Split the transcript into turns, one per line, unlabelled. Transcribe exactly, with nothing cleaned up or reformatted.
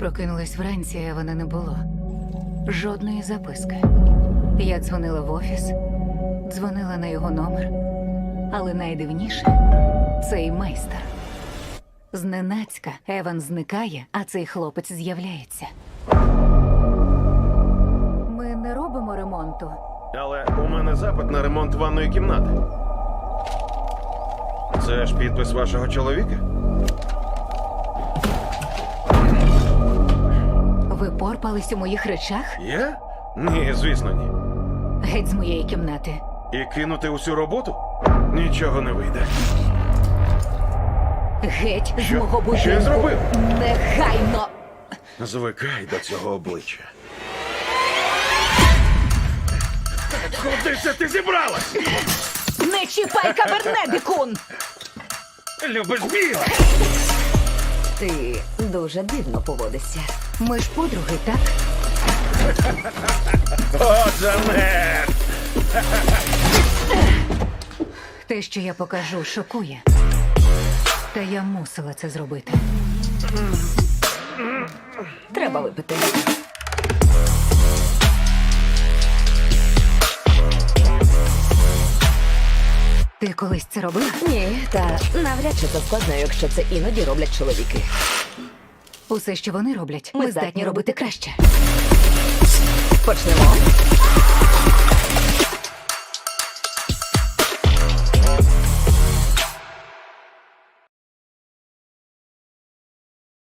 прокинулась вранці, а вона не було. Жодної записки. Я дзвонила в офіс, дзвонила на його номер. Але найдивніше – цей майстер. Зненацька Еван зникає, а цей хлопець з'являється. Ми не робимо ремонту.
Але у мене запит на ремонт ванної кімнати. Це ж підпис вашого чоловіка?
Ви порпались у моїх речах?
Я? Ні, звісно, ні.
Геть з моєї кімнати.
І кинути усю роботу? Нічого не вийде.
Геть з
Що?
мого будинку.
Що я зробив?
Негайно!
Звикай до цього обличчя. Куди це ти зібралась?
Не чіпай кабернедикун!
Любиш біле?
Ти дуже дивно поводишся.
Ми ж подруги, так?
О, Джанет!
Те, що я покажу, шокує. Та я мусила це зробити.
Треба випити.
Ти колись це робила?
Ні, та навряд чи це складно, якщо це іноді роблять чоловіки.
Усе, що вони роблять, ми, здатні робити краще.
Почнемо.